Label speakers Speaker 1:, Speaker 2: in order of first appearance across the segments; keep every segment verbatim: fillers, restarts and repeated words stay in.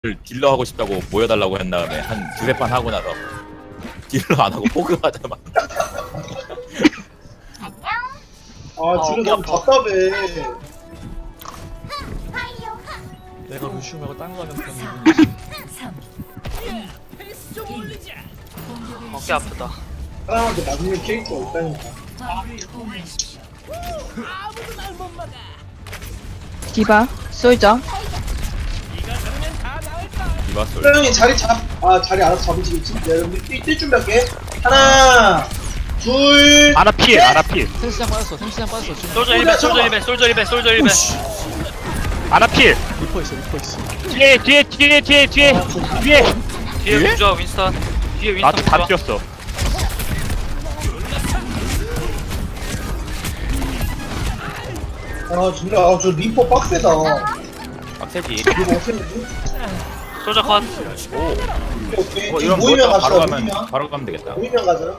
Speaker 1: 딜러 하고 싶다고 모여달라고 한 다음에 한 두세 판 하고 나서 딜러 안 하고 포그하자마자
Speaker 2: 아 지금 너무 답답해.
Speaker 3: 내가 루시우 말고 딴 거 하면 그런 기분이지.
Speaker 4: 어깨 아프다.
Speaker 2: 사람한테 맞는 캐릭터 없다니까.
Speaker 5: 디바, 솔저.
Speaker 1: 이바솔
Speaker 2: 소영이 자리 잡, 아 자리 알아서 잡으시겠지? 야 여러분 뛸, 뛸 준비할게. 하나, 둘,
Speaker 6: 아나 필, 아나 필.
Speaker 3: 탱시장 빠졌어, 탱시장 빠졌어. 지금
Speaker 4: 솔저 일 배, 솔저 일 배, 솔저 일 배, 솔저 일 배.
Speaker 6: 아나 필.
Speaker 3: 리퍼 있어, 리퍼 있어.
Speaker 6: 뒤에, 뒤에, 뒤에, 뒤에, 뒤에, 뒤에.
Speaker 4: 뒤에 부조화 윈스턴. 뒤에 윈스턴
Speaker 6: 나한테 다
Speaker 4: 부조화.
Speaker 6: 뛰었어.
Speaker 2: 아 진짜 아, 저 리퍼 빡세다.
Speaker 1: 빡세지.
Speaker 2: 이거 어떻게
Speaker 4: 솔저 컷.
Speaker 2: 오케이.
Speaker 1: 뭐
Speaker 2: 지금
Speaker 1: 이런
Speaker 2: 모이면
Speaker 1: 거 바로
Speaker 2: 갑시다.
Speaker 1: 가면
Speaker 2: 모이면
Speaker 1: 바로 가면 되겠다.
Speaker 2: 모이면 가자.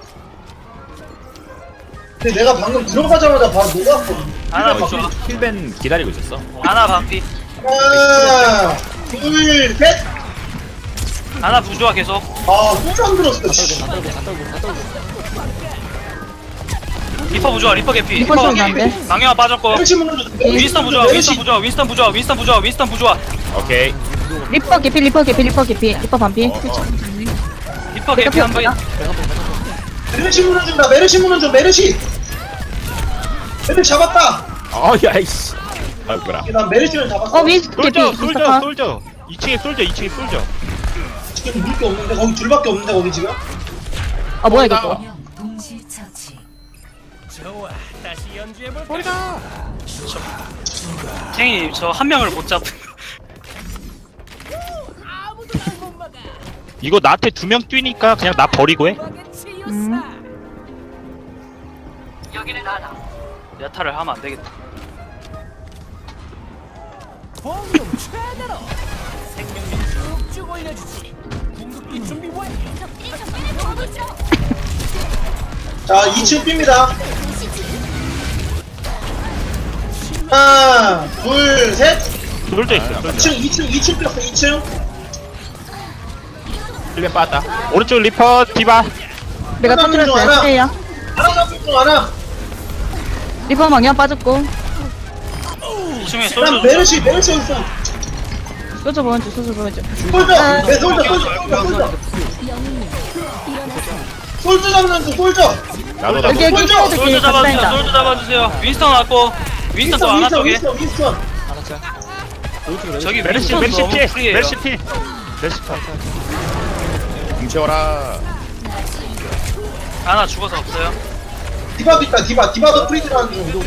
Speaker 2: 근데 내가 방금 들어가자마자 바로 녹았거든.
Speaker 4: 하나
Speaker 1: 어,
Speaker 4: 부조화.
Speaker 1: 힐- 힐벤 기다리고 있었어.
Speaker 4: 하나 반피.
Speaker 2: 하나, 둘, 셋.
Speaker 4: 하나 부조화 계속.
Speaker 2: 아, 또 잠들었어. 씨.
Speaker 3: 갔다 오고, 갔다 오고, 갔다 오고.
Speaker 4: 리퍼 부조화, 리퍼 개피.
Speaker 5: 리퍼
Speaker 4: 리퍼
Speaker 5: 들어간대.
Speaker 4: 망령아 빠졌고.
Speaker 2: 멸치 물어줘.
Speaker 4: 윈스턴 부조화, 윈스턴 부조화, 윈스턴 부조화, 윈스턴 부조화, 윈스턴 부조화.
Speaker 1: 오케이.
Speaker 5: 리퍼 개피, 리퍼 개피, 리퍼 개피, 리퍼 반피.
Speaker 1: 어, 어.
Speaker 4: 리퍼 개피 한 번.
Speaker 2: 메르시 물어준다. 메르시 물어줘. 메르시. 메르시 잡았다.
Speaker 1: 어, 야이씨. 아이고라.
Speaker 2: 난 메르시를 잡았어.
Speaker 5: 어, 윈스 개피.
Speaker 6: 솔져, 솔져,
Speaker 5: 인스타
Speaker 6: 솔져. 이 층에 솔져, 이 층에 솔져.
Speaker 2: 지금 물게 없는데 거기 둘밖에 없는데 거기 지금.
Speaker 5: 아, 뭐야, 이거 또.
Speaker 4: 탱이 저 한 명을 못 잡.
Speaker 6: 이거 나한테 두 명 뛰니까 그냥 나 버리고 해.
Speaker 5: 음.
Speaker 4: 야타를 하면 안 되겠다.
Speaker 2: 자, 이 층 삠니다. 하나, 둘, 셋.
Speaker 6: 솔져 있어, 솔져.
Speaker 2: 이 층, 이 층, 이 층 뺐어. 이 층.
Speaker 1: 힐벤 빠졌다.
Speaker 6: 오른쪽 리퍼, 디바.
Speaker 5: 내가
Speaker 2: 하나
Speaker 5: 터뜨렸어요.
Speaker 2: 하나.
Speaker 5: 스테이야.
Speaker 2: 하나 잡을 중 하나.
Speaker 5: 리퍼 망령 빠졌고.
Speaker 4: 이 층에
Speaker 2: 난
Speaker 4: 솔저.
Speaker 2: 메르시, 메르시 있어.
Speaker 5: 솔저 보여줘, 솔저 보여줘.
Speaker 2: 솔져. 내 솔져, 솔져, 솔져, 솔져. 솔져 잡는 중, 솔져.
Speaker 1: 나도 나도.
Speaker 5: 여기, 여기,
Speaker 2: 솔져,
Speaker 5: 솔저
Speaker 4: 솔저
Speaker 5: 개피,
Speaker 4: 잡아주세요.
Speaker 5: 갑자인다.
Speaker 4: 솔저 잡아주세요. 윈스턴 왔고. 윈스턴 또
Speaker 2: 윈스턴,
Speaker 4: 안와
Speaker 2: 윈스턴,
Speaker 4: 쪽에.
Speaker 2: 윈스턴, 윈스턴.
Speaker 3: 하나짜. 오른쪽에
Speaker 4: 저기
Speaker 6: 메르시,
Speaker 4: 윈스턴
Speaker 6: 메르시
Speaker 4: 너무
Speaker 6: 필,
Speaker 4: 프리해요.
Speaker 6: 메르시 필. 메르시 필.
Speaker 1: 뭉쳐라.
Speaker 4: 하나 죽어서 없어요.
Speaker 2: 디바도 있다, 디바. 디바도 프리즈라는 중.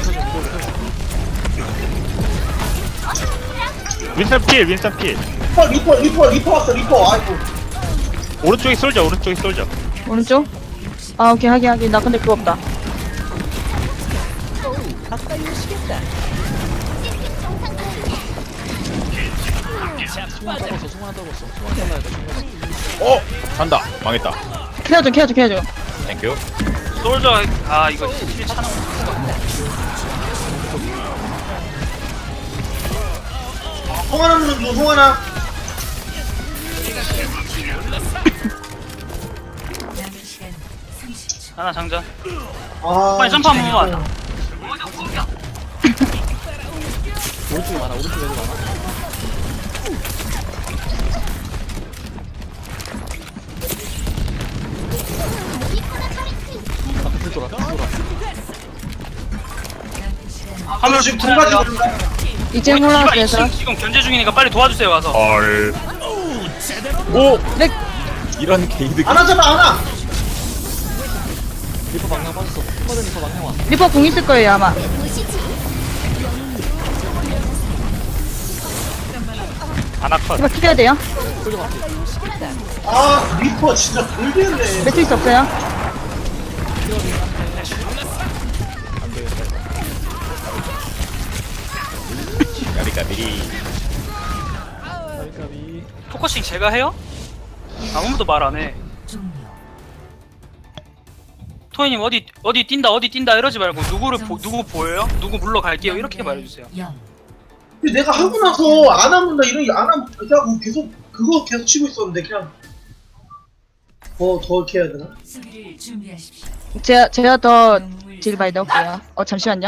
Speaker 6: 윈선 필, 윈선 필.
Speaker 2: 리퍼, 리퍼, 리퍼, 리퍼 왔어, 리퍼. 아이고.
Speaker 6: 오른쪽에 솔져, 오른쪽에 솔져.
Speaker 5: 오른쪽? 아, 오케이, 하긴, 하긴. 나 근데 그거 없다.
Speaker 3: 수만 떨궜어, 수만 떨궜어. 수만 떨어야 돼, 수만.
Speaker 1: 어, 간다. 망했다.
Speaker 5: 케어줘, 케어줘, 케어줘.
Speaker 1: 땡큐.
Speaker 4: 솔저. 아 이거 힐 차는.
Speaker 2: 송하나 물는 중, 송하나.
Speaker 4: 하나 장전.
Speaker 2: 아,
Speaker 4: 빨리 점프 한 번만.
Speaker 3: 오른쪽에 많아, 오른쪽에 애들 많아. 앞에 불 돌아, 불 돌아.
Speaker 4: 화물
Speaker 2: 지금
Speaker 4: 좀
Speaker 2: 통과지
Speaker 4: 틀어야
Speaker 2: 모른다.
Speaker 5: 이제
Speaker 4: 이봐
Speaker 5: 올라왔어,
Speaker 4: 이
Speaker 5: 얘들아.
Speaker 4: 층 지금 견제 중이니까 빨리 도와주세요 와서.
Speaker 6: 헐.
Speaker 1: 오,
Speaker 5: 렉!
Speaker 1: 이런 게이드.
Speaker 2: 하나 잡아, 하나.
Speaker 3: 리퍼 방향 빠졌어. 스마드 리퍼 방향 와.
Speaker 5: 리퍼 공 있을 거예요, 아마.
Speaker 6: 하나 컷.
Speaker 5: 리퍼 키려야 돼요.
Speaker 3: 솔져 맞지?
Speaker 2: 아, 리퍼 진짜 돌겠네.
Speaker 5: 매트리스 없어요.
Speaker 3: 안 되겠다.
Speaker 1: 까비까비.
Speaker 3: 까비까비.
Speaker 4: 포커싱 제가 해요? 아무도 말 안 해. 토이님 어디 어디 뛴다 어디 뛴다 이러지 말고 누구를 보, 누구 보여요? 누구 물러갈게요 이렇게 말해주세요.
Speaker 2: 근데 내가 하고 나서 안 하면 나 이런 안 하면 되자고 계속 그거 계속 치고 있었는데 그냥 더 더 이렇게 해야 되나?
Speaker 7: 수비를 준비하십시오.
Speaker 5: 제가 제가 더딜 많이 넣을게요. 어 잠시만요.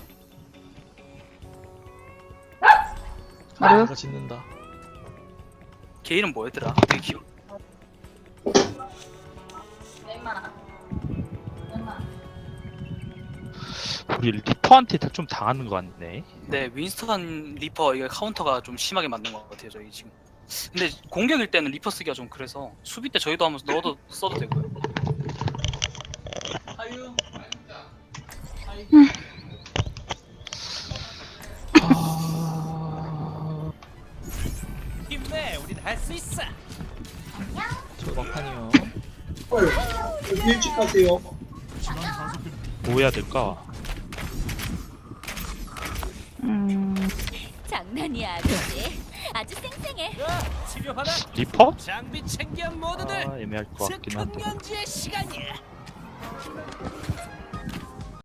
Speaker 5: 마루.
Speaker 3: 내가 짓는다.
Speaker 4: 걔 이름 뭐였더라? 되게 귀여.
Speaker 6: 우리 리퍼한테 좀 당하는 거 같네.
Speaker 4: 네, 윈스턴 리퍼 이게 카운터가 좀 심하게 맞는 것 같아요 저희 지금. 근데 공격일 때는 리퍼 쓰기가 좀 그래서 수비 때 저희도 한번 넣어도 써도 되고요.
Speaker 3: 저 막판이요.
Speaker 2: 헐 여기 일찍 가세요.
Speaker 6: 뭐 해야 될까?
Speaker 5: 음.
Speaker 7: 장난이야, 아저씨. 아주 쌩쌩해.
Speaker 6: 리퍼?
Speaker 8: 장비 챙겨 모두들.
Speaker 6: 아 애매할 것 같긴 한데.
Speaker 8: 측근연주의 시간이야.